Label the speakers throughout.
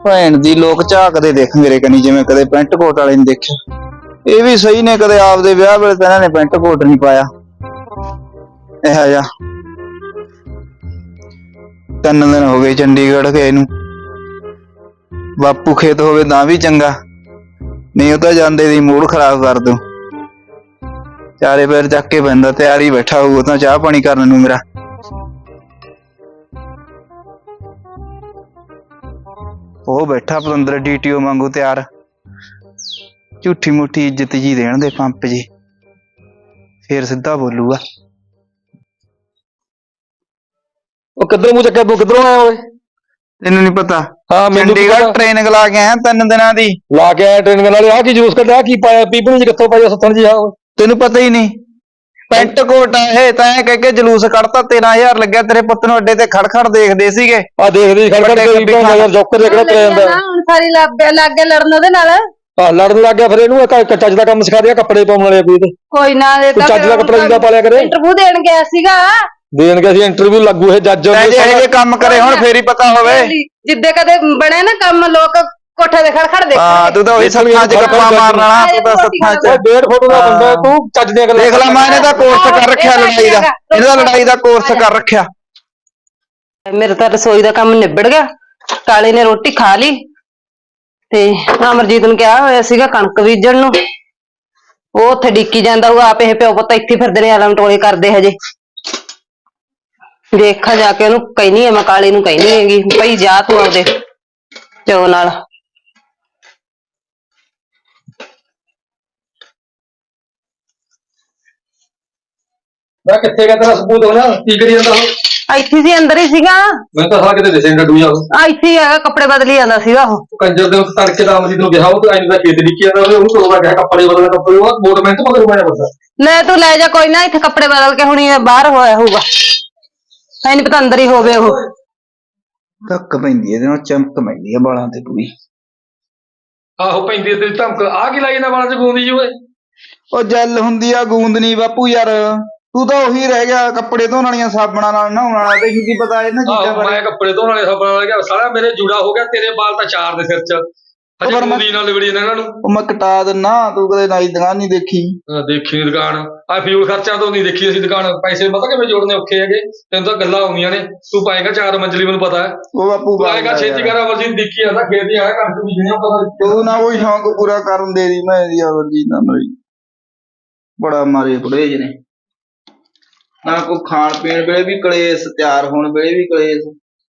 Speaker 1: ਭੈਣ ਦੀ ਲੋਕ ਝਾਕਦੇ ਦੇਖ ਮੇਰੇ ਕਨੀ ਜਿਵੇਂ ਕਦੇ ਪੈਂਟ ਕੋਟ ਵਾਲੇ ਨੇ ਦੇਖਿਆ। ਇਹ ਵੀ ਸਹੀ ਨੇ, ਕਦੇ ਆਪਦੇ ਵਿਆਹ ਵੇਲੇ ਤਾਂ ਇਹਨਾਂ ਨੇ ਪੈਂਟ ਕੋਟ ਨਹੀਂ ਪਾਇਆ ਇਹੋ ਜਿਹਾ। 3 ਦਿਨ ਹੋ ਗਏ ਚੰਡੀਗੜ੍ਹ ਗਏ ਨੂੰ। ਬਾਪੂ ਖੇਤ ਹੋਵੇ ਤਾਂ ਵੀ ਚੰਗਾ, ਨਹੀਂ ਉਹ ਤਾਂ ਜਾਂਦੇ ਦੀ ਮੂਡ ਖਰਾਬ ਕਰ ਦੂ। ਚਾਰੇ ਪੈਰ ਚੱਕ ਕੇ ਪੈਂਦਾ, ਤਿਆਰ ਹੀ ਬੈਠਾ ਹੋਊ ਤਾਂ ਚਾਹ ਪਾਣੀ ਕਰਨ ਨੂੰ ਮੇਰਾ। ਉਹ ਬੈਠਾ ਪਤੰਦਰ DTO ਵਾਂਗੂ ਤਿਆਰ। ਝੂਠੀ ਮੂਠੀ ਇੱਜ਼ਤ ਜੀ ਦੇਣ ਦੇ ਪੰਪ ਜੀ, ਫੇਰ ਸਿੱਧਾ ਬੋਲੂਗਾ।
Speaker 2: ਉਹ ਕਿੱਧਰ ਮੂੰਹ ਚੱਕਿਆ ਤੂੰ, ਕਿੱਧਰੋਂ ਆਇਆ ਓਏ?
Speaker 1: ਤੈਨੂੰ ਨੀ ਪਤਾ?
Speaker 2: ਹਾਂ ਮੈਨੂੰ
Speaker 1: ਚੰਡੀਗੜ੍ਹ ਟ੍ਰੇਨਿੰਗ ਲਾ ਕੇ ਆਇਆ 3 ਦਿਨਾਂ ਦੀ।
Speaker 2: ਲਾ ਕੇ ਆਇਆ ਟ੍ਰੇਨਿੰਗ ਨਾਲੇ। ਆਹ ਕੀ ਜੂਸ ਕੱਢਿਆ, ਕੀ ਪਾਇਆ ਪੀਪਣੀ ਚ, ਕਿੱਥੋਂ ਪਾਇਆ ਸੱਤਣ ਜੀ? ਆ
Speaker 1: ਤੈਨੂੰ ਪਤਾ ਹੀ ਨਹੀਂ? ਪੈਂਟ ਕੋਟ ਆ ਇਹ, ਤਾਂ ਐ ਕਹਿ ਕੇ ਜਲੂਸ ਕੱਢਤਾ। 13,000 ਲੱਗਿਆ ਤੇਰੇ ਪੁੱਤ ਨੂੰ। ਅੱਡੇ ਤੇ ਖੜ ਦੇਖਦੇ ਸੀਗੇ।
Speaker 2: ਆ ਦੇਖਦੇ ਖੜ ਜੋਕਰ ਦੇ ਕਿਹੜਾ ਤੁਰਿਆ ਜਾਂਦਾ।
Speaker 3: ਹੁਣ ਸਾਰੀ ਲੱਗ ਗਿਆ ਲੜਨ ਉਹਦੇ ਨਾਲ।
Speaker 2: ਆ ਲੜਨ ਲੱਗ ਗਿਆ, ਫਿਰ ਇਹਨੂੰ ਚੱਜ ਦਾ ਕੰਮ ਸਿਖਾ ਦਿਆ, ਕੱਪੜੇ ਪਾਉਣ ਵਾਲੇ
Speaker 3: ਕੋਈ ਨਾ,
Speaker 2: ਚੱਜ ਦਾ ਕੱਪੜਾ ਜਿੱਦਾਂ ਪਾਲਿਆ ਕਰੇ।
Speaker 3: ਇੰਟਰਵਿਊ ਦੇਣ ਗਿਆ ਸੀਗਾ।
Speaker 2: ਦੇਣ ਗਿਆ ਸੀ ਇੰਟਰਵਿਊ, ਲੱਗੂ ਇਹ ਜੱਜ
Speaker 1: ਜੇ ਕੰਮ ਕਰੇ ਹੁਣ ਫੇਰ ਹੀ ਪਤਾ ਹੋਵੇ।
Speaker 3: ਜਿੱਦੇ ਕਦੇ ਬਣੇ ਨਾ ਕੰਮ, ਲੋਕ ਕੋਠੇ ਦੇ ਖੜ ਦੇਖ।
Speaker 1: ਹਾਂ ਤੂੰ ਤਾਂ ਉਹੀ ਸੱਥਾਂ ਚ ਗੱਪਾਂ ਮਾਰਨ ਵਾਲਾ। ਤੂੰ ਤਾਂ ਸੱਥਾਂ ਚ
Speaker 2: 1.5 ਫੁੱਟ ਦਾ ਬੰਦਾ, ਤੂੰ ਚੱਜ ਦੀਆਂ ਗੱਲਾਂ
Speaker 1: ਦੇਖ ਲੈ। ਮੈਂ ਇਹਨੇ ਤਾਂ ਕੋਰਸ ਕਰ ਰੱਖਿਆ ਲੜਾਈ ਦਾ, ਇਹਦਾ ਲੜਾਈ ਦਾ ਕੋਰਸ ਕਰ ਰੱਖਿਆ।
Speaker 3: ਮੇਰੇ ਤਾਂ ਰਸੋਈ ਦਾ ਕੰਮ ਨਿਬੜ ਗਿਆ। ਕਾਲੇ ਨੇ ਰੋਟੀ ਖਾ ਲਈ ਤੇ ਅਮਰਜੀਤ ਨੂੰ ਕਿਹਾ ਹੋਇਆ ਸੀਗਾ ਕਣਕ ਬੀਜਣ ਨੂੰ। ਉਹ ਉੱਥੇ ਡਿੱਕੀ ਜਾਂਦਾ ਹੋਊਗਾ। ਆਪ ਇਹ ਪਿਓ ਪੁੱਤ ਇੱਥੇ ਫਿਰਦੇ ਨੇ, ਆਲਮ ਟੋਲੇ ਕਰਦੇ ਹਜੇ। ਦੇਖਾਂ ਜਾ ਕੇ, ਉਹਨੂੰ ਕਹਿਨੀ ਆ ਮੈਂ, ਕਾਲੇ ਨੂੰ ਕਹਿਨੀ ਹੈਗੀ ਭਈ ਜਾ ਤੂੰ ਆਪਦੇ ਪਿਓ ਨਾਲ।
Speaker 2: ਮੈਂ ਕਿੱਥੇ ਗਿਆ ਤੇਰਾ ਸਬੂਤ ਹੋਣਾ? ਕੀ ਕਰੀ ਜਾਂਦਾ ਉਹ?
Speaker 3: ਇੱਥੇ ਸੀ, ਅੰਦਰ ਹੀ ਸੀਗਾ।
Speaker 2: ਮੈਂ ਤਾਂ ਸਾਲਾ ਕਿਤੇ ਦਿਸੇ ਡੱਡੂ ਜਾ।
Speaker 3: ਇੱਥੇ ਹੀ ਹੈਗਾ, ਕੱਪੜੇ ਬਦਲੀ ਜਾਂਦਾ ਸੀਗਾ ਉਹ।
Speaker 2: ਕੰਜਰ ਦੇ ਤੜਕੇ ਦਾ ਅਮਰਜੀਤ ਨੂੰ ਕਿਹਾ, ਉਹ ਤਾਂ ਦਾ ਖੇਤ ਡਿੱਕੀ ਜਾਂਦਾ, ਉਹਨੂੰ ਤੋੜਵਾ ਗਿਆ ਕੱਪੜੇ ਬਦਲਣਾ। ਕੱਪੜੇ ਉਹ ਮੋਟਰਮੈਂਟ ਤੋਂ ਮਗਰ ਪਾਇਆ ਬੰਦਾ।
Speaker 3: ਲੈ ਤੂੰ ਲੈ ਜਾ, ਕੋਈ ਨਾ। ਇੱਥੇ ਕੱਪੜੇ ਬਦਲ ਕੇ ਹੁਣੀ ਬਾਹਰ ਹੋਇਆ ਹੋਊਗਾ। ਐ ਨੀ ਪਤਾ ਅੰਦਰ ਹੀ ਹੋਵੇ ਉਹ।
Speaker 1: ਧੱਕ ਪੈਂਦੀ ਇਹਦੇ ਨਾਲ, ਚਮਕ ਪੈਂਦੀ ਆ ਬਾਲਾਂ ਤੇ ਪੂਰੀ।
Speaker 2: ਆਹੋ ਪੈਂਦੀ ਤੇਰੀ ਧਮਕ। ਆ ਕੀ ਲਾਈ ਨਾ ਬਾਲਾਂ ਚ ਗੂੰਦੀ ਜੀ ਓਏ?
Speaker 1: ਉਹ ਜੈਲ ਹੁੰਦੀ ਆ, ਗੂੰਦ ਨੀ ਬਾਪੂ ਯਾਰ। ਤੂੰ ਤਾਂ ਉਹੀ ਰਹਿ ਗਿਆ, ਕੱਪੜੇ ਧੋਣ ਵਾਲੀਆਂ ਸਾਬਣਾਂ ਨਾਲ ਨਹਾਉਣ ਵਾਲਾ। ਤੈਨੂੰ ਕੀ ਪਤਾ ਇਹਨਾਂ ਚੀਜ਼ਾਂ ਬਾਰੇ?
Speaker 2: ਮੈਂ ਕੱਪੜੇ ਧੋਣ ਵਾਲੇ ਸਾਬਣ ਵਾਲਾ ਗਿਆ ਸਾਲਾ, ਮੇਰੇ ਜੂੜਾ ਹੋ ਗਿਆ। ਤੇਰੇ ਵਾਲ ਤਾਂ ਚਾਰ ਦੇ ਸਿਰ ਚ, ਹਜੇ ਗੂੰਦੀ ਨਾਲ ਲਿਬੜੀ ਨੇ ਇਹਨਾਂ ਨੂੰ।
Speaker 1: ਉਹ ਮੈਂ ਕਟਾ ਦਿੰਨਾ, ਤੂੰ ਕਦੇ ਨਾਈ ਦੁਕਾਨ ਨਹੀਂ ਦੇਖੀ?
Speaker 2: ਦੇਖੀ ਨੀ ਦੁਕਾਨ। ਆ ਫਿਊਲ ਖਰਚਾ ਤੋਂ ਨਹੀਂ ਦੇਖੀ ਅਸੀਂ ਦੁਕਾਨ। ਪੈਸੇ ਪਤਾ ਕਿਵੇਂ ਜੋੜਨੇ ਔਖੇ ਹੈਗੇ, ਤੈਨੂੰ ਤਾਂ ਗੱਲਾਂ ਆਉਂਦੀਆਂ ਨੇ। ਤੂੰ ਪਾਏਗਾ 4 ਮੰਜ਼ਲੀ, ਮੈਨੂੰ ਪਤਾ ਹੈ।
Speaker 1: ਉਹ ਬਾਪੂ
Speaker 2: ਪਾਏਗਾ ਛੇਤੀ ਕਰ। ਅਮਰਜੀਤ ਦੇਖੀ ਜਾਂਦਾ ਖੇਤ ਹੀ ਆਇਆ, ਕਣਕ ਬੀਜਣੀ ਪਤਾ।
Speaker 1: ਤੂੰ ਨਾ ਕੋਈ ਸ਼ੌਂਕ ਪੂਰਾ ਕਰਨ ਦੇ ਦੀ ਮੈਂ ਦੀ ਅਮਰਜੀਤ ਨਾਲ। ਬੜਾ ਮਾਰੇ ਬੁੜੇ ਜਿਹੇ ਨੇ ਨਾ। ਕੋਈ ਖਾਣ ਪੀਣ ਵੇਲੇ ਵੀ ਕਲੇਸ਼, ਤਿਆਰ ਹੋਣ ਵੇਲੇ ਵੀ ਕਲੇਸ਼।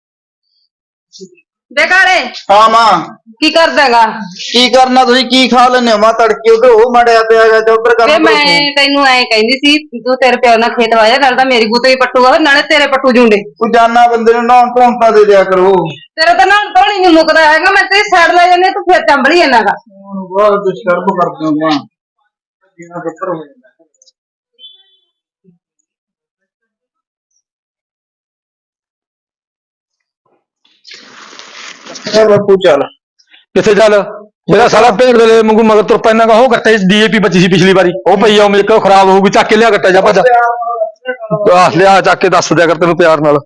Speaker 3: ਦੇ ਕਾਲੇ,
Speaker 1: ਹਾਂ ਮਾਂ
Speaker 3: ਕੀ ਕਰਦਾਗਾ?
Speaker 1: ਕੀ ਕਰਨਾ? ਤੁਸੀਂ ਕੀ ਖਾ ਲੈਂਦੇ ਹੋ? ਮਾਂ ਤੜਕੇ ਉਧਰ ਉਹ ਮੜਿਆ ਪਿਆ ਗਾ, ਉਧਰ ਕਰ।
Speaker 3: ਮੈਂ ਤੈਨੂੰ ਐ ਕਹਿੰਦੀ ਸੀ, ਤੂੰ ਤੇਰੇ ਪਿਓ ਨਾਲ ਖੇਤ ਵਾਜਾ, ਨਾਲ ਤਾਂ ਮੇਰੀ ਬੂਤੇ ਵੀ ਪੱਟੂਗਾ, ਨਾਲੇ ਤੇਰੇ ਪੱਟੂ ਜੁੰਡੇ।
Speaker 1: ਤੂੰ ਜਾਨਾ ਬੰਦੇ ਨੂੰ ਨਹਾਉਣ ਧੋਣ ਤਾਂ ਦੇ ਦਿਆ ਕਰੋ।
Speaker 3: ਤੇਰਾ ਤਾਂ ਨਾ ਧੋਣੀ ਨੀ ਮੁੱਕਦਾ ਹੈਗਾ। ਮੈਂ ਤੇਰੀ ਸਾਈਡ ਲੈ ਜਾਂਦੀ, ਤੂੰ ਫਿਰ ਚੰਬੜੀ ਜਾਂਦਾਗਾ।
Speaker 1: ਬਹੁਤ ਡਿਸਟਰਬ ਕਰਦੇ ਹੋ ਮਾਂ। ਜੀਣਾ ਬੱਤਰ ਹੋ ਜਾਂਦਾ। ਬਾਪੂ ਚੱਲ
Speaker 2: ਕਿੱਥੇ ਚੱਲ? ਮੇਰਾ ਸਾਲਾ ਭੇਡ ਦੇ ਮੰਗੂ ਮਗਰ ਤੁਰ ਪੈਣਾ ਗਾ। ਉਹ ਗੱਟੇ DAP ਬੱਚੀ ਸੀ ਪਿਛਲੀ ਵਾਰੀ, ਉਹ ਪਈ ਆ ਮੇਰੇ ਕੋਲ, ਖਰਾਬ ਹੋਊਗੀ। ਚੱਕ ਕੇ ਲਿਆ ਗੱਟਾ ਜਾ ਭੱਜ। ਲਿਆ ਚੱਕ ਕੇ, ਦੱਸ ਦਿਆ ਕਰ ਤੈਨੂੰ ਪਿਆਰ ਨਾਲ।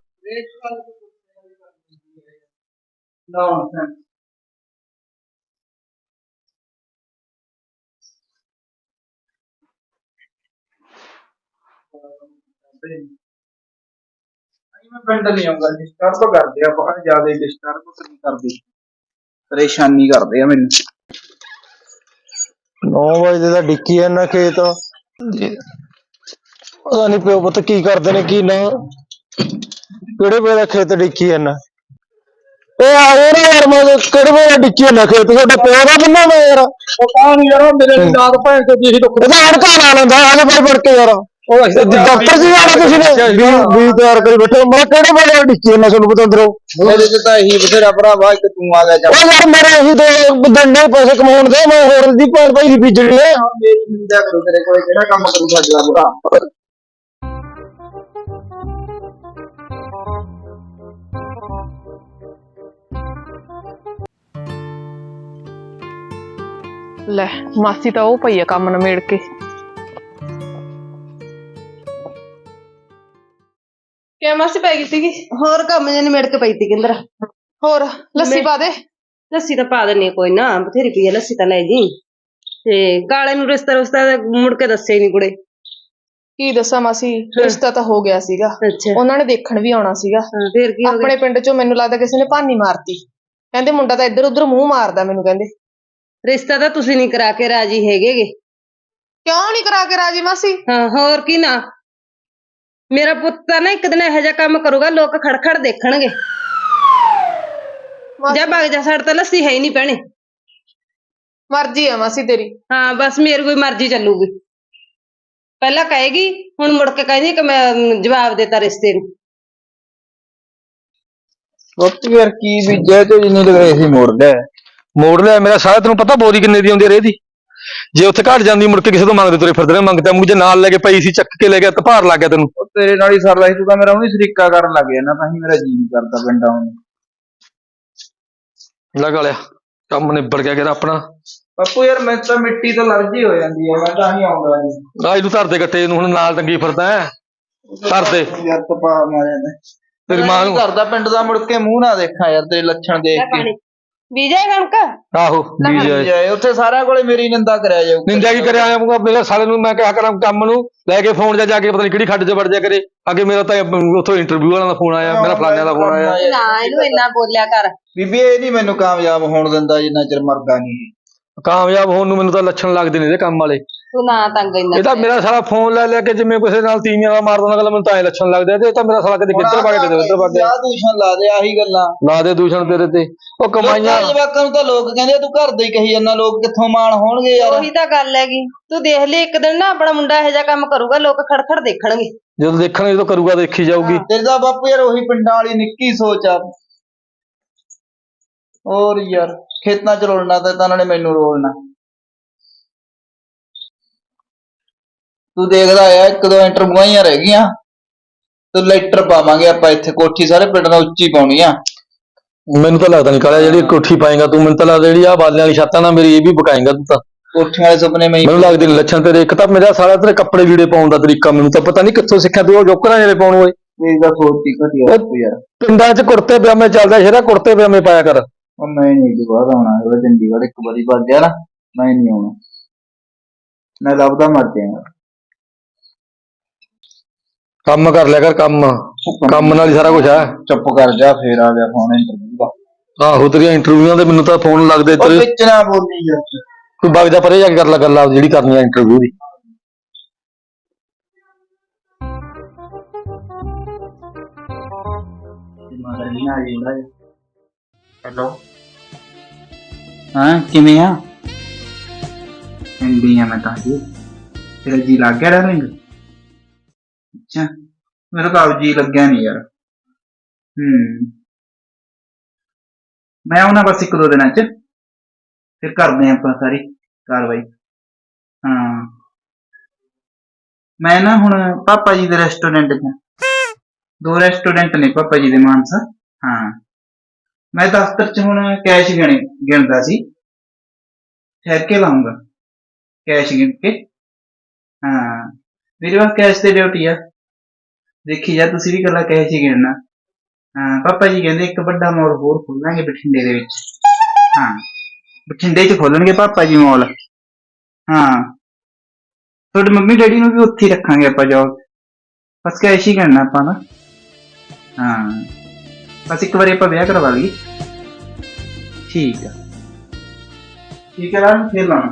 Speaker 1: ਮੈਂ ਪਿੰਡ ਨਹੀਂ ਆਉਂਗਾ। ਡਿਸਟਰਬ ਕਰਦੇ ਆ ਬਹੁਤ ਜ਼ਿਆਦਾ। ਡਿਸਟਰਬ ਨਹੀਂ ਕਰਦੇ, ਪਰੇਸ਼ਾਨੀ ਕਰਦੇ ਆ ਮੈਨੂੰ।
Speaker 2: 9 ਵਜੇ ਦਾ ਡਿੱਕੀ ਜਾਂਦਾ ਖੇਤ। ਪਤਾ ਨੀ ਪਿਓ ਪੁੱਤ ਕੀ ਕਰਦੇ ਨੇ ਕੀ ਨਾ। ਕਿਹੜੇ ਵੇਲੇ ਦਾ ਖੇਤ ਡਿੱਕੀ ਜਾਂਦਾ? ਇਹ ਆ ਨਾ ਯਾਰ, ਮੈਂ ਕਿਹੜੇ ਵੇਲੇ ਡਿੱਕੀ ਜਾਂਦਾ ਖੇਤ? ਤੁਹਾਡਾ ਪਿਓ ਦਾ ਬੰਦਾ ਮੈਂ ਯਾਰ। ਪਤਾ ਨੀ ਯਾਰ, ਮੇਰੇ ਨਾਲ ਭੈਣ ਚੋਦ ਜੀ ਦੁੱਖ ਇਹਦਾ ਅੜਕਾ ਲਾ ਲੈਂਦਾ। ਆਲੇ ਫੜ ਕੇ ਯਾਰ, ਡਾਕਟਰ ਜੀ ਆਣਾ ਤੁਸੀਂ ਨੇ ਵੀ ਤਿਆਰ ਕਰੀ ਬੈਠੇ। ਮੈਂ ਕਿਹੜੇ ਵੇਲੇ ਡਿੱਕੀ ਜਾਂਦਾ ਤੁਹਾਨੂੰ ਪਤਾ ਅੰਦਰੋਂ?
Speaker 1: ਮੇਰੇ ਚ ਤਾਂ ਇਹੀ ਬਥੇਰਾ ਭਰਾਵਾ, ਇੱਕ ਤੂੰ ਆ ਗਿਆ।
Speaker 2: ਉਹ ਯਾਰ ਮੇਰੇ ਇਹੀ ਦੋ ਡੰਡੇ ਪੈਸੇ ਕਮਾਉਣ ਦੇ, ਮੈਂ ਹੋਰ ਦੀ ਭੈਣ ਭਾਈ ਦੀ ਬੀਜਣੀ ਹੈ।
Speaker 1: ਮੇਰੀ ਨਿੰਦਿਆ ਕਰੋ, ਤੇਰੇ ਕੋਲੇ ਕਿਹੜਾ ਕੰਮ ਕਰੂ ਸਾਡਾ ਬੁਰਾ।
Speaker 4: ਲੈ ਮਾਸੀ ਤਾਂ ਉਹ ਪਈ ਆ ਕੰਮ ਨਿਬੇੜ ਕੇ। ਕਿਆ ਮਾਸੀ ਪੈ ਗਈ ਸੀਗੀ?
Speaker 3: ਹੋਰ ਕੰਮ ਜੇ ਨਿਬੜ ਕੇ ਪਈ ਤੀ ਕਿੰਦਰ।
Speaker 4: ਹੋਰ ਲੱਸੀ ਪਾ ਦੇ।
Speaker 3: ਲੱਸੀ ਤਾਂ ਪਾ ਦਿੰਨੀ ਆ, ਕੋਈ ਨਾ, ਬਥੇਰੀ ਪਈ ਆ ਲੱਸੀ ਤਾਂ ਲੈ ਜੀ। ਤੇ ਕਾਲੇ ਨੂੰ ਰਿਸ਼ਤਾ ਮੁੜ ਕੇ ਦੱਸੇ ਨੀ ਕੁੜੇ।
Speaker 4: ਕੀ ਦੱਸਾਂ ਮਾਸੀ, ਰਿਸ਼ਤਾ ਤਾਂ ਹੋ ਗਿਆ ਸੀਗਾ,
Speaker 3: ਅੱਛਾ,
Speaker 4: ਉਹਨਾਂ ਨੇ ਦੇਖਣ ਵੀ ਆਉਣਾ ਸੀਗਾ।
Speaker 3: ਫੇਰ ਕੀ ਹੋ ਗਿਆ?
Speaker 4: ਆਪਣੇ ਪਿੰਡ ਚੋਂ ਮੈਨੂੰ ਲੱਗਦਾ ਕਿਸੇ ਨੇ ਭਾਨੀ ਮਾਰਤੀ, ਕਹਿੰਦੇ ਮੁੰਡਾ ਤਾਂ ਇੱਧਰ ਉੱਧਰ ਮੂੰਹ ਮਾਰਦਾ ਮੈਨੂੰ, ਕਹਿੰਦੇ।
Speaker 3: ਰਿਸ਼ਤਾ ਤਾਂ ਤੁਸੀਂ ਨੀ ਕਰਾ ਕੇ ਰਾਜੀ ਹੈਗੇਗੇ।
Speaker 4: ਕਿਉਂ ਨਹੀਂ ਕਰਾ ਕੇ ਰਾਜੀ ਮਾਸੀ?
Speaker 3: ਹਾਂ, ਹੋਰ ਕੀ ਨਾ। ਮੇਰਾ ਪੁੱਤ ਤਾਂ ਨਾ ਇੱਕ ਦਿਨ ਇਹੋ ਜਿਹਾ ਕੰਮ ਕਰੂਗਾ, ਲੋਕ ਖੜਖੜ ਦੇਖਣਗੇ। ਜਾ ਭਗ ਜਾ, ਸਾਡੇ ਤਾਂ ਲੱਸੀ ਹੈ ਹੀ ਨਹੀਂ ਭੈਣੇ।
Speaker 4: ਮਰਜ਼ੀ ਆ ਮਾਸੀ ਤੇਰੀ।
Speaker 3: ਹਾਂ, ਬਸ ਮੇਰੀ ਕੋਈ ਮਰਜ਼ੀ ਚੱਲੂਗੀ। ਪਹਿਲਾਂ ਕਹੇਗੀ, ਹੁਣ ਮੁੜ ਕੇ ਕਹਿੰਦੀ ਕਿ ਮੈਂ ਜਵਾਬ ਦੇਤਾ ਰਿਸ਼ਤੇ ਨੂੰ।
Speaker 1: ਬਾਪੂ ਯਾਰ ਕੀ ਬੀਜਿਆ ਤੇ ਜਿੰਨੀ ਲਗਾਈ ਸੀ
Speaker 2: ਮੋੜ ਲਿਆ ਮੇਰਾ ਸਾਰਾ। ਤੈਨੂੰ ਪਤਾ ਬੋਰੀ ਕਿੰਨੇ ਦੀ ਆਉਂਦੀ ਆ ਰੇਹ ਦੀ? ਜੇ ਉੱਥੇ ਘਟ ਜਾਂਦੀ ਮੁੜ ਕੇ ਕਿਸੇ ਤੋਂ ਮੰਗਦੇ ਤੁਰੇ ਫਿਰਦੇ ਨੇ, ਮੰਗਦਾ ਮੁੜ ਜੇ ਨਾਲ ਲੈ ਕੇ ਪਈ ਸੀ, ਚੱਕ ਕੇ ਲੈ ਗਿਆ, ਭਾਰ ਲੱਗ ਗਿਆ ਤੈਨੂੰ।
Speaker 1: ਉਹ ਤੇਰੇ ਨਾਲ ਹੀ ਸਰਦਾ ਸੀ, ਤੂੰ ਤਾਂ ਮੇਰਾ ਉਹੀ ਸ਼ਰੀਕਾ ਕਰਨ ਲੱਗ ਗਿਆ ਨਾ, ਤਾਂ ਹੀ ਮੇਰਾ ਜੀ ਨਹੀਂ ਕਰਦਾ ਪਿੰਡਾਂ ਨੂੰ।
Speaker 2: ਲਗਾ ਲਿਆ ਕੰਮ, ਨਿਬੜ ਗਿਆ ਕਿਹੜਾ ਆਪਣਾ।
Speaker 1: ਬਾਪੂ ਯਾਰ ਮੈਂ ਤਾਂ ਮਿੱਟੀ ਤੋਂ ਅਲਰਜੀ ਹੋ ਜਾਂਦੀ ਹੈ, ਮੈਂ ਤਾਂ ਹੀ ਆਉਂਦਾ ਨਹੀਂ।
Speaker 2: ਆ ਇਹਨੂੰ ਧਰ ਦੇ ਗੱਟੇ ਨੂੰ, ਹੁਣ ਨਾਲ ਟੰਗੀ ਫਿਰਦਾ ਹੈ। ਧਰ ਦੇ
Speaker 1: ਯਾਰ ਤਪਾ ਮਾਰਿਆ
Speaker 2: ਤੇਰੀ ਮਾਂ ਨੂੰ।
Speaker 1: ਕਰਦਾ ਪਿੰਡ ਦਾ ਮੁੜ ਕੇ ਮੂੰਹ ਨਾ ਦੇਖਾਂ ਯਾਰ, ਤੇਰੇ ਲੱਛਣ ਦੇਖ ਕੇ।
Speaker 3: ਬੀਜੇ ਕਣਕ?
Speaker 2: ਆਹੋ ਬੀਜ
Speaker 1: ਜਾਏ ਉੱਥੇ ਸਾਰਿਆਂ ਕੋਲੇ ਮੇਰੀ ਨਿੰਦਾ ਕਰਿਆ ਜਾਊ।
Speaker 2: ਨਿੰਦਿਆ ਕੀ ਕਰਿਆ ਆਉਂਗਾ ਮੇਰੇ ਸਾਲੇ ਨੂੰ? ਮੈਂ ਕਿਹਾ ਕਰਾਂ ਕੰਮ ਨੂੰ ਲੈ ਕੇ ਫੋਨ ਜਾ ਕੇ ਪਤਾ ਨਹੀਂ ਕਿਹੜੀ ਖੱਡ 'ਚ ਵੜ ਜਾ ਕਰੇ। ਅੱਗੇ ਮੇਰਾ ਤਾਂ ਉੱਥੋਂ ਇੰਟਰਵਿਊ ਵਾਲਾ ਦਾ ਫੋਨ ਆਇਆ, ਮੇਰਾ ਫਲਾਣਿਆਂ ਦਾ ਫੋਨ ਆਇਆ।
Speaker 3: ਨਾ ਇਹਨੂੰ ਇੰਨਾ ਬੋਲਿਆ ਕਰ।
Speaker 1: ਬੀਬੀ ਇਹ ਨਹੀਂ ਮੈਨੂੰ ਕਾਮਯਾਬ ਹੋਣ ਦਿੰਦਾ ਜਿੰਨਾ ਚਿਰ ਮਰਦਾ ਨਹੀਂ।
Speaker 2: ਕਾਮਯਾਬ ਹੋਣ ਨੂੰ ਮੈਨੂੰ ਤਾਂ ਲੱਛਣ ਲੱਗਦੇ ਨੇ ਇਹਦੇ ਕੰਮ ਵਾਲੇ।
Speaker 3: ਤੂੰ ਨਾ ਤੰਗ ਇੰਨਾ।
Speaker 2: ਇਹ ਤਾਂ ਮੇਰਾ ਸਾਲਾ ਫੋਨ ਲੈ ਲੈ ਕੇ ਜਿਵੇਂ ਕਿਸੇ ਨਾਲ ਤੀਵੀਆਂ ਦਾ ਮਾਰਦਾ ਗੱਲ, ਮੈਨੂੰ ਤਾਂ ਐ ਲੱਛਣ ਲੱਗਦੇ ਤੇ ਇਹ ਤਾਂ ਮੇਰਾ ਸਾਲਾ ਕਦੇ ਕਿੱਧਰ ਵਗ ਕਦੇ ਉੱਧਰ ਵਗ ਗਿਆ।
Speaker 1: ਦੂਸ਼ਣ ਲਾ ਦੇ, ਆਹੀ ਗੱਲਾਂ
Speaker 2: ਲਾ ਦੇ ਦੂਸ਼ਣ ਤੇਰੇ ਤੇ। ਉਹ ਕਮਾਈਆਂ
Speaker 1: ਜਵਾਕਾਂ ਨੂੰ ਤਾਂ ਲੋਕ ਕਹਿੰਦੇ ਤੂੰ ਘਰ ਦਾ ਹੀ ਕਹੀ ਜਾਂਦਾ, ਲੋਕ ਕਿੱਥੋਂ ਮਾਣ ਹੋਣਗੇ ਯਾਰ।
Speaker 3: ਉਹੀ ਤਾਂ ਗੱਲ ਹੈਗੀ, ਤੂੰ ਦੇਖ ਲਈ ਇੱਕ ਦਿਨ ਨਾ ਆਪਣਾ ਮੁੰਡਾ ਇਹੋ ਜਿਹਾ ਕੰਮ ਕਰੂਗਾ, ਲੋਕ ਖੜਖੜ ਦੇਖਣਗੇ।
Speaker 2: ਜਦੋਂ ਦੇਖਣਗੇ ਜਦੋਂ ਕਰੂਗਾ ਦੇਖੀ ਜਾਊਗੀ।
Speaker 1: ਤੇਰੇ ਦਾ ਬਾਪੂ ਯਾਰ ਉਹੀ ਪਿੰਡਾਂ ਵਾਲੀ ਨਿੱਕੀ ਸੋਚ ਆ। ਹੋਰ ਯਾਰ ਖੇਤਾਂ ਚ ਰੋਲਣਾ ਤਾਂ ਇਹਨਾਂ ਨੇ ਮੈਨੂੰ ਰੋਲਣਾ। ਤੂੰ ਦੇਖਦਾ ਆ, ਇੱਕ ਦੋ ਇੰਟਰਵਿਊਆਂ ਰਹਿ ਗਈਆਂ ਤੇ ਲੈਟਰ ਪਾਵਾਂਗੇ ਆਪਾਂ ਇੱਥੇ, ਕੋਠੀ ਸਾਰੇ ਪਿੰਡ ਨਾਲ ਉੱਚੀ ਪਾਉਣੀ ਆ।
Speaker 2: ਮੈਨੂੰ ਤਾਂ ਲੱਗਦਾ ਨਹੀਂ ਕਾਲਿਆ ਜਿਹੜੀ ਕੋਠੀ ਪਾਏਗਾ ਤੂੰ, ਮੈਨੂੰ ਤਾਂ ਲੱਗਦਾ ਜਿਹੜੀ ਆ ਬਾਲਿਆਂ ਵਾਲੀ ਛੱਤਾਂ ਨਾਲ ਮੇਰੀ ਇਹ ਵੀ ਬਕਾਏਗਾ ਤੂੰ ਤਾਂ।
Speaker 1: ਕੋਠੀਆਂ ਵਾਲੇ ਸੁਪਨੇ
Speaker 2: ਮੈਨੂੰ ਲੱਗਦੇ ਨੇ ਲੱਛਣ ਤੇਰੇ। ਇੱਕ ਤਾਂ ਮੇਰਾ ਸਾਰਾ ਤੇਰੇ ਕੱਪੜੇ ਲੀੜੇ ਪਾਉਣ ਦਾ ਤਰੀਕਾ ਮੈਨੂੰ ਤਾਂ ਪਤਾ ਨਹੀਂ ਕਿੱਥੋਂ ਸਿੱਖਿਆ ਤੂੰ, ਉਹ ਜੋਕਰਾਂ ਜਿਹੜੇ ਪਾਉਣ ਓਏ।
Speaker 1: ਇਹਦਾ ਸੋਚ ਹੀ ਘਟਿਆ ਯਾਰ।
Speaker 2: ਪਿੰਡਾਂ 'ਚ ਕੁੜਤੇ ਪਜਾਮੇ ਚੱਲਦਾ, ਸ਼ੇਰਾ ਕੁੜਤੇ ਪਜਾਮੇ ਪਾਇਆ ਕਰ।
Speaker 1: ਉਹ ਮੈਂ ਨਹੀਂ ਦੁਬਾਰਾ ਆਉਣਾ ਹੈਗਾ ਚੰਡੀਗੜ੍ਹ, ਇੱਕ ਵਾਰੀ ਵੱਜ ਗਿਆ ਨਾ ਮੈਂ ਨਹੀਂ ਆਉਣਾ, ਮੈਂ ਲੱਭਦਾ ਮਰ ਜਾਏਗਾ।
Speaker 2: ਕੰਮ ਕਰ ਲਿਆ ਕਰ, ਕੰਮ ਨਾਲ ਹੀ ਸਾਰਾ ਕੁਝ ਆ।
Speaker 1: ਚੁੱਪ ਕਰ ਜਾ, ਫੇਰ ਆ ਗਿਆ ਫੋਨ ਇੰਟਰਵਿਊ ਦਾ।
Speaker 2: ਆਹੋ ਤੇਰੀਆਂ ਇੰਟਰਵਿਊਆਂ ਦੇ ਮੈਨੂੰ ਤਾਂ ਫੋਨ ਲੱਗਦੇ
Speaker 1: ਉਹ
Speaker 2: ਤੇਰੇ।
Speaker 1: ਵਿੱਚ ਨਾ ਬੋਲੀ ਯਾਰ,
Speaker 2: ਕੋਈ ਵਗ ਜਾ ਪਰੇ ਜਾ ਕੇ ਕਰ ਲੈ ਗੱਲ ਆਪ ਜਿਹੜੀ ਕਰਨੀ ਆ ਇੰਟਰਵਿਊ ਦੀ।
Speaker 1: ਹੈਲੋ ਹਾਂ ਕਿਵੇਂ ਆ? ਇੰਡੀਆ ਮੈਂ ਤਾਂ ਜੀ ਤੇਰਾ ਜੀ ਲੱਗ ਗਿਆ ਡਾਰਲਿੰਗ? ਅੱਛਾ ਮੇਰਾ ਤਾਂ ਜੀ ਲੱਗਿਆ ਨਹੀਂ ਯਾਰ। ਮੈਂ ਆਉਣਾ ਬਸ ਇੱਕ ਦੋ ਦਿਨਾਂ ਚ, ਫਿਰ ਕਰਦੇ ਆਪਾਂ ਸਾਰੀ ਕਾਰਵਾਈ। ਹਾਂ ਮੈਂ ਨਾ ਹੁਣ ਪਾਪਾ ਜੀ ਦੇ ਰੈਸਟੋਰੈਂਟ ਚ, ਦੋ ਰੈਸਟੋਰੈਂਟ ਨੇ ਪਾਪਾ ਜੀ ਦੇ ਮਾਨਸਾ। ਹਾਂ ਮੈਂ ਦਫ਼ਤਰ ਚ ਹੁਣ ਕੈਸ਼ ਗਿਣਦਾ ਸੀ, ਠਹਿਰ ਕੇ ਲਾਉਂਗਾ ਕੈਸ਼ ਗਿਣ ਕੇ। ਹਾਂ ਮੇਰੇ ਪਾਸ ਕੈਸ਼ ਤੇ ਡਿਊਟੀ ਆ, ਦੇਖੀ ਜਾ ਤੁਸੀਂ ਵੀ ਇਕੱਲਾ ਕੈਸ਼ ਹੀ ਗਿਣਨਾ। ਹਾਂ ਪਾਪਾ ਜੀ ਕਹਿੰਦੇ ਇੱਕ ਵੱਡਾ ਮੋਲ ਹੋਰ ਖੋਲਾਂਗੇ ਬਠਿੰਡੇ ਦੇ ਵਿੱਚ। ਹਾਂ ਬਠਿੰਡੇ ਚ ਖੋਲਣਗੇ ਪਾਪਾ ਜੀ ਮੋਲ। ਹਾਂ ਤੁਹਾਡੇ ਮੰਮੀ ਡੈਡੀ ਨੂੰ ਵੀ ਉੱਥੇ ਹੀ ਰੱਖਾਂਗੇ ਆਪਾਂ ਜੋਬ, ਬਸ ਕੈਸ਼ ਹੀ ਕਰਨਾ ਆਪਾਂ ਨਾ। ਹਾਂ ਬਸ ਇੱਕ ਵਾਰੀ ਆਪਾਂ ਵਿਆਹ ਕਰਵਾ ਲਈਏ। ਠੀਕ ਆ ਠੀਕ ਹੈ ਰਾਮ, ਫਿਰ ਲਾਉਣਾ।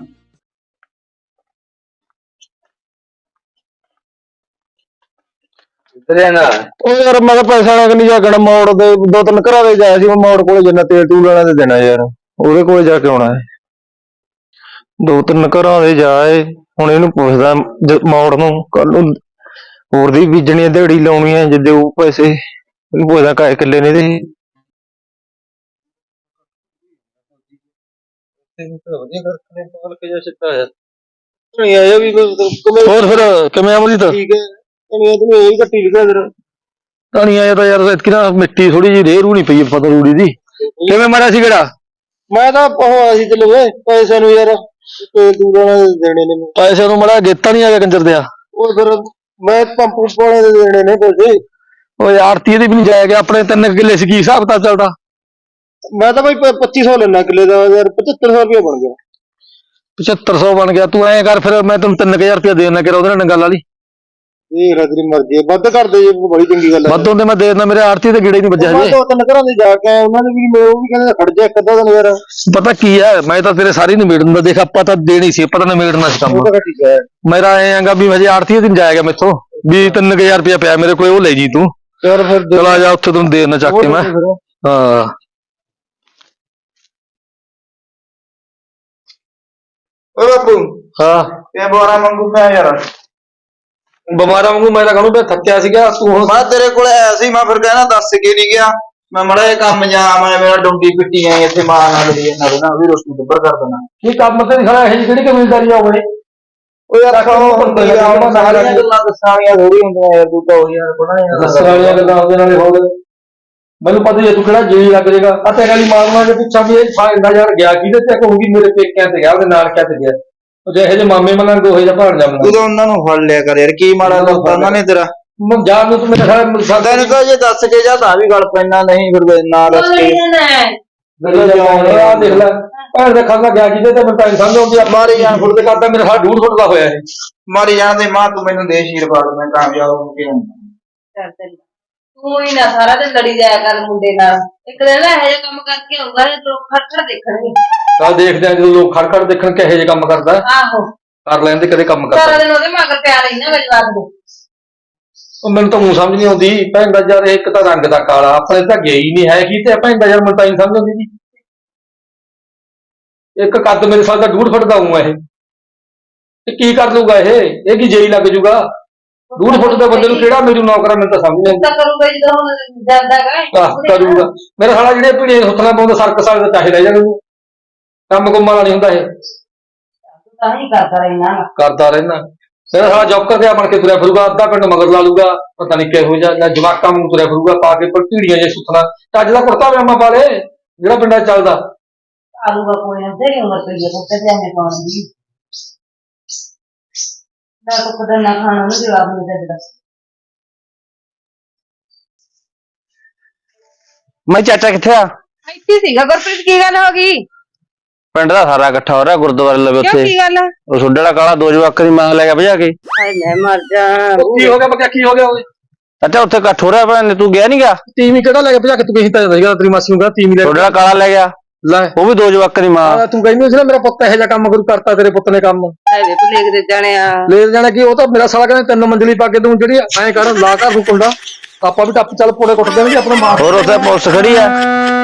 Speaker 2: ਉਹ ਯਾਰ ਮੈਂ ਤਾਂ ਪੈਸਾ ਨਾਲ ਨਹੀਂ ਜਾ ਕੇ ਮੋੜ ਦੇ, ਦੋ ਤਿੰਨ ਘਰਾਂ ਦੇ ਜਾਇਆ ਸੀ ਮੈਂ ਮੋੜ ਕੋਲੇ, ਜਿੰਨਾ ਤੇਲ ਤੂਲ ਲੈਣਾ ਤੇ ਦੇਣਾ ਯਾਰ, ਉਹਦੇ ਕੋਲੇ ਜਾ ਕੇ ਆਉਣਾ ਹੈ। ਦੋ ਤਿੰਨ ਘਰਾਂ ਦੇ ਜਾਏ, ਹੁਣ ਇਹਨੂੰ ਪੁੱਛਦਾ ਮੋੜ ਨੂੰ, ਕੱਲ ਨੂੰ ਹੋਰ ਦੀ ਬੀਜਣੀ ਦਿਹਾੜੀ ਲਾਉਣੀ ਹੈ, ਜੇ ਦੇਊ ਪੈਸੇ ਇਹਨੂੰ ਪੁੱਛਦਾ ਕਾਏ ਕਿੱਲੇ ਨੇ ਇਹਦੇ। ਹੋਰ ਫਿਰ ਕਿਵੇਂ ਅਮਰੀਤ? ਠੀਕ ਹੈ ਧਨੀਆ ਤਾਂ ਯਾਰ ਇਤਕੀ ਨਾ ਮਿੱਟੀ ਥੋੜੀ ਜਿਹੀ ਰੇਹ ਰੂ ਨੀ ਪਈ ਪਤਾ ਰੂੜੀ ਦੀ। ਕਿਵੇਂ ਮਾਰਿਆ ਸੀ ਕਿਹੜਾ? ਮੈਂ ਤਾਂ ਉਹ ਅਸੀਂ ਤੇ ਲਵੇ ਪੈਸੇ ਨੂੰ ਯਾਰ ਦੇਣੇ ਨੇ, ਪੈਸੇ ਨੂੰ ਮੜਾ ਗੇਤਾ ਨੀ ਆ ਗਿਆ ਕੰਜਰ ਦਿਆ। ਉਹ ਫਿਰ ਮੈਂ ਪੰਪ ਵਾਲੇ ਦੇ ਦੇਣੇ ਨੇ ਪੈਸੇ। ਉਹ ਆੜਤੀ ਦੀ ਵੀ ਨੀ ਜਾਇਆ ਗਿਆ, ਆਪਣੇ 3 ਕਿੱਲੇ ਸੀ, ਕੀ ਹਿਸਾਬ ਤਾਂ ਚੱਲਦਾ? ਮੈਂ ਤਾਂ ਬਾਈ 2500 ਲੈਣਾ ਕਿੱਲੇ ਦਾ ਯਾਰ 7500 ਰੁਪਏ ਬਣ ਗਿਆ 7500 ਬਣ ਗਿਆ ਤੂੰ ਐਂ ਕਰ ਫਿਰ ਮੈਂ ਤੈਨੂੰ 3000 ਰੁਪਏ ਦੇ ਦੇਣਾ ਕਿ ਉਹਦੇ ਨਾਲ ਗੱਲ ਵਾਲੀ ਇਹ ਤੇਰੀ ਮਰਜ਼ੀ ਹੈ ਵੱਧ ਕਰ ਦੇ ਜੇ ਬੜੀ ਚੰਗੀ ਗੱਲ ਹੈ ਵੱਧ ਹੁੰਦੇ ਮੈਂ ਦੇ ਦਿੰਦਾ ਮੇਰੇ ਆੜਤੀ ਤੇ ਗੇੜੇ ਨਹੀਂ ਵੱਜਿਆ ਹਜੇ ਦੋ ਤਿੰਨ ਘਰਾਂ ਦੇ ਜਾ ਕੇ ਆਇਆ ਉਹਨਾਂ ਨੇ ਵੀ ਉਹ ਵੀ ਕਹਿੰਦੇ ਖੜ ਜਾ ਇੱਕ ਅੱਧਾ ਦਿਨ ਯਾਰ ਪਤਾ ਕੀ ਹੈ ਮੈਂ ਤਾਂ ਤੇਰੇ ਸਾਰੀ ਨਿਬੇੜ ਦਿੰਦਾ ਦੇਖ ਆਪਾਂ ਤਾਂ ਦੇਣੀ ਸੀ ਆਪਾਂ ਤਾਂ ਨਿਬੇੜਨਾ ਸੀ ਕੰਮ ਠੀਕ ਹੈ ਮੇਰਾ ਐਂ ਆਂਗਾ ਵੀ ਹਜੇ ਆੜਤੀ ਦਿਨ ਜਾਏਗਾ ਮੈਥੋਂ ਵੀ 3000 ਰੁਪਏ ਪਿਆ ਮੇਰੇ ਕੋਲ ਉਹ ਲੈ ਜੀ ਤੂੰ ਯਾਰ ਫਿਰ ਚਲਾ ਜਾ ਉੱਥੇ ਤੈਨੂੰ ਦੇ ਦੇਣਾ ਚੱਕ ਕੇ ਮੈਂ ਹਾਂ
Speaker 1: ਓ ਬਾਪੂ
Speaker 2: ਹਾਂ
Speaker 1: ਇਹ ਬੋਰਾ ਮੰਗੂ ਪਿਆ ਯਾਰ
Speaker 2: ਬਿਮਾਰਾਂ ਵਾਂਗੂ ਮੈਂ ਤਾਂ ਕਹਣੂ ਮੈਂ ਥੱਕਿਆ ਸੀਗਾ ਤੂੰ
Speaker 1: ਮੈਂ ਤੇਰੇ ਕੋਲ ਆਇਆ ਸੀ ਮੈਂ ਫਿਰ ਕਹਿਣਾ ਦੱਸ ਕੇ ਨਹੀਂ ਗਿਆ ਮੈਂ ਮੜਾ ਇਹ ਕੰਮ ਜਾ ਮੈਂ ਮੇਰਾ ਡੁੰਡੀ ਪਿੱਟੀ ਆਈ ਇੱਥੇ ਮਾਂ ਨਾਲ ਲਈ ਨਾ ਨਾ ਵੀ ਰੋਟੀ ਦੁੱਬਰ ਕਰ ਦੇਣਾ
Speaker 2: ਕੀ ਕੰਮ ਤੇ ਖੜਾ ਇਹ ਕਿਹੜੀ ਕਬੀਲਦਾਰੀ ਆ ਹੋਵੇ
Speaker 1: ਉਹ ਯਾਰ ਖਾਓ ਬੰਦੇ ਆ ਸਾਰੀਆਂ ਗੱਲਾਂ ਦੱਸਾਂ ਵਾਲੀਆਂ ਥੋੜੀ ਹੁੰਦੀਆਂ ਯਾਰ ਤੂੰ ਤਾਂ ਉਹ ਯਾਰ ਬਣਾਇਆ
Speaker 2: ਦੱਸਣ ਵਾਲੀਆਂ ਗੱਲਾਂ ਉਹਦੇ ਨਾਲੇ ਹੋ ਗਏ ਮੈਨੂੰ ਪਤਾ ਹੀ ਹੈ ਤੂੰ ਕਿਹੜਾ ਜੀ ਲੱਗ ਜਾਏਗਾ ਆ ਤੇਰੇ ਵਾਲੀ ਮਾਰਨਾ ਜੇ ਪੁੱਛਾਂ ਵੀ ਇਹ ਫਾਇਦਾ ਯਾਰ ਗਿਆ ਕਿਹਦੇ ਤੇ ਕਹੂੰਗੀ ਮੇਰੇ ਪੇਕਿਆਂ ਤੇ ਗਿਆ ਉਹਦੇ ਨਾਲ ਕਿਆ ਤੇ ਗਿਆ ਉਹ ਜਿਹੇ ਜੇ ਮਾਮੇ ਮਨਾਂ ਦੋਹੇ ਜਿਹਾ ਭਾਣ ਜਾ
Speaker 1: ਤੂੰ ਤਾਂ ਉਹਨਾਂ ਨੂੰ ਫੜ ਲਿਆ ਕਰ ਯਾਰ ਕੀ ਮਾੜਾ ਕਰਤਾ ਉਹਨਾਂ ਨੇ ਤੇਰਾ
Speaker 2: ਜਾਨ ਨੂੰ ਤੂੰ ਮੇਰੇ ਖਿਆਲ
Speaker 1: ਤੈਨੂੰ ਤਾਂ ਜੇ ਦੱਸ ਕੇ ਜਾ ਤਾਂ ਵੀ ਗੱਲ ਪੈਣਾ ਨਹੀਂ ਫਿਰ ਨਾ ਦੱਸ ਕੇ
Speaker 2: ਆ ਦੇਖ ਲੈ ਭੈਣ ਦੇ ਖਾਂਦਾ ਗਿਆ ਕਿਤੇ ਤੇ ਮੈਨੂੰ ਟੈਨਸ਼ਨ ਸਮਝ ਆਉਂਦੀ ਆ ਮਾਰੀ ਜਾਨ ਫੁੱਟ ਤੇ ਕਰਦਾ ਮੇਰੇ ਸਾਹ 2.5 ਫੁੱਟ ਦਾ ਹੋਇਆ ਇਹ
Speaker 1: ਮਾਰੀ ਜਾਂਦੇ ਮਾਂ ਤੂੰ ਮੈਨੂੰ ਦੇ ਆਸ਼ੀਰਵਾਦ ਮੈਂ ਕਾਮਯਾਬ ਹੋ ਕੇ ਆਉਂਦਾ
Speaker 3: ਤੂੰ ਹੀ ਨਾ ਸਾਰਾ ਦਿਨ ਲੜੀ ਜਾਇਆ ਕਰ ਮੁੰਡੇ ਨਾਲ ਇੱਕ ਦਿਨ ਇਹੋ ਜਿਹਾ ਕੰਮ ਕਰਕੇ ਆਊਗਾ ਲੋਕ ਖੜਖੜ ਦੇਖਣਗੇ
Speaker 2: ਕੱਲ ਦੇਖਦੇ ਆ ਜਦੋਂ ਲੋਕ ਖੜਖੜ ਦੇਖਣ ਕਿਹੋ ਜਿਹੇ ਕੰਮ ਕਰਦਾ
Speaker 3: ਆਹੋ
Speaker 2: ਕਰ ਲੈਂਦੇ ਕਦੇ ਕੰਮ
Speaker 3: ਸਾਰਾ
Speaker 2: ਕਰਦਾ
Speaker 3: ਦਿਨ ਉਹਦੇ ਮਗਰ ਪਿਆ ਰਹਿਣਾ ਮੇਰੇ ਜਵਾਕ ਦੇ
Speaker 2: ਉਹ ਮੈਨੂੰ ਤਾਂ ਮੂੰਹ ਸਮਝ ਨਹੀਂ ਆਉਂਦੀ ਭੈਣ ਦਾ ਯਾਰ ਇੱਕ ਤਾਂ ਰੰਗ ਦਾ ਕਾਲਾ ਆਪਣੇ ਤਾਂ ਗਿਆ ਹੀ ਨਹੀਂ ਹੈ ਕੀ ਤੇ ਭੈਣ ਦਾ ਯਾਰ ਮੈਨੂੰ ਤਾਂ ਨਹੀਂ ਸਮਝ ਆਉਂਦੀ ਜੀ ਇੱਕ ਕੱਦ ਮੇਰੇ ਸਾਲ ਦਾ 2.5 ਫੁੱਟ ਦਾ ਹੂੰ ਇਹ ਕੀ ਕਰ ਲੂਗਾ ਇਹ ਕੀ ਜੇਈ ਲੱਗ ਜੂਗਾ 2.5 ਫੁੱਟ ਦੇ ਬੰਦੇ ਨੂੰ ਕਿਹੜਾ ਮੈਨੂੰ ਨੌਕਰਾਂ ਮੈਨੂੰ ਤਾਂ ਸਮਝ ਨਹੀਂ
Speaker 3: ਤਾਂ ਕਰੂਗਾ ਜਦੋਂ ਹੁਣ ਜਾਂਦਾ ਗਾ
Speaker 2: ਕਰੂਗਾ ਮੇਰੇ ਸਾਲਾ ਜਿਹੜੇ ਪੀੜੇ ਸੁੱਤਣਾ ਪਾਉਂਦਾ ਸਰਕ ਸਾਲ ਦਾ ਚਾਹੇ ਰਹਿ ਜਾਣਗੇ ਕੰਮ ਕੁੰਮਾਂ ਵਾਲਾ ਨਹੀਂ ਹੁੰਦਾ ਇਹ
Speaker 3: ਤਾਂ ਹੀ ਕਰਦਾ ਰਹਿਣਾ
Speaker 2: ਕਰਦਾ ਰਹਿਣਾ ਮੇਰਾ ਸਾਲਾ ਜੌਕਰ ਤੇ ਬਣ ਕੇ ਤੁਰਿਆ ਫਿਰੂਗਾ ਅੱਧਾ ਪਿੰਡ ਮਗਰ ਲਾ ਲੂਗਾ ਪਤਾ ਨਹੀਂ ਕਿਹੋ ਜਿਹਾ ਜਵਾਕਾਂ ਨੂੰ ਤੁਰਿਆ ਫਿਰੂਗਾ ਪਾ ਕੇ ਪਰ ਢੀੜੀਆਂ ਜੇ ਸੁੱਤਣਾ ਚੱਜ ਦਾ ਕੁੜਤਾ ਪਜਾਮਾ ਪਾ ਲੇ ਜਿਹੜਾ ਪਿੰਡਾਂ 'ਚ ਚੱਲਦਾ
Speaker 3: ਆਲੂਗਾ ਕੋਈ ਨਾ ਤੇਰੀ ਉਮਰ ਪਈ ਹੈ ਕੁੱਤੇ ਜਾਣੇ ਪਾਉਣ ਦੀ ਮੈਂ ਤਾਂ ਖੁਦ ਨਾ ਖਾਣਾ ਨੂੰ ਜਵਾਬ ਨਹੀਂ ਦਿੰਦਾ
Speaker 2: ਮੈਂ ਚਾਚਾ ਕਿੱਥੇ ਆ
Speaker 3: ਇੱਥੇ ਸੀਗਾ ਗੁਰਪ੍ਰੀਤ ਕੀ ਗੱਲ ਹੋ ਗਈ
Speaker 2: ਪਿੰਡ ਦਾ ਸਾਰਾ ਇਕੱਠਾ ਹੋ ਰਿਹਾ ਗੁਰਦੁਆਰੇ ਲਵੇ
Speaker 3: ਕਿਉਂ ਕੀ ਗੱਲ
Speaker 2: ਉਹ ਸੁੱਡੇ ਵਾਲਾ ਕਾਲਾ ਦੋ ਜਵਾਕਾਂ ਦੀ ਮਾਂ ਲੈ ਗਿਆ ਭਜਾ ਕੇ
Speaker 3: ਹਾਏ ਮੈਂ ਮਰ ਜਾ
Speaker 2: ਕੀ ਹੋ ਗਿਆ ਬੱਕਿਆ ਕੀ ਹੋ ਗਿਆ ਓਏ ਚਾਚਾ ਉੱਥੇ ਇਕੱਠ ਹੋ ਰਿਹਾ ਭੈਣ ਤੂੰ ਗਿਆ ਨੀ ਗਾ ਟੀਵੀ ਕਿਹੜਾ ਲੈ ਕੇ ਭਜਾ ਕੇ ਤੂੰ ਕਹੀ ਤਾਂ ਜਾਂਦਾ ਤੇਰੀ ਮਾਸੀ ਨੂੰ ਕਹਾ ਟੀਵੀ ਲੈ ਸੁੱਡੇ ਵਾਲਾ ਕਾਲਾ ਲੈ ਗਿਆ ਲੈ ਉਹ ਵੀ ਦੋ ਜਵਾਕਾਂ ਦੀ ਮਾਂ ਤੂੰ ਕਹਿੰਦੀ ਸੀ ਨਾ ਮੇਰਾ ਪੁੱਤ ਇਹੋ ਜਿਹਾ ਕੰਮ ਕਰੂ ਕਰਤਾ ਤੇਰੇ ਪੁੱਤ ਨੇ ਕੰਮ
Speaker 3: ਹਾਏ ਵੇ ਤੂੰ ਲੇਖ ਦੇ ਜਾਣਿਆ
Speaker 2: ਲੈ ਜਾਣਾ ਕੀ ਉਹ ਤਾਂ ਮੇਰਾ ਸਾਲਾ ਕਹਿੰਦਾ 3 ਮੰਜ਼ਲੀ ਪਾ ਕੇ ਤੂੰ ਜਿਹੜੀ ਐਂ ਕਰ ਲਾ ਘਰ ਨੂੰ ਕੁੰਡਾ ਆਪਾਂ ਵੀ ਟੱਪ ਚੱਲ ਪੋੜੇ ਕੁੱਟ ਦੇਣਗੇ ਆਪਣਾ ਮਾਂ ਹੋਰ ਉੱਥੇ ਪੁਲਿਸ ਖੜੀ ਆ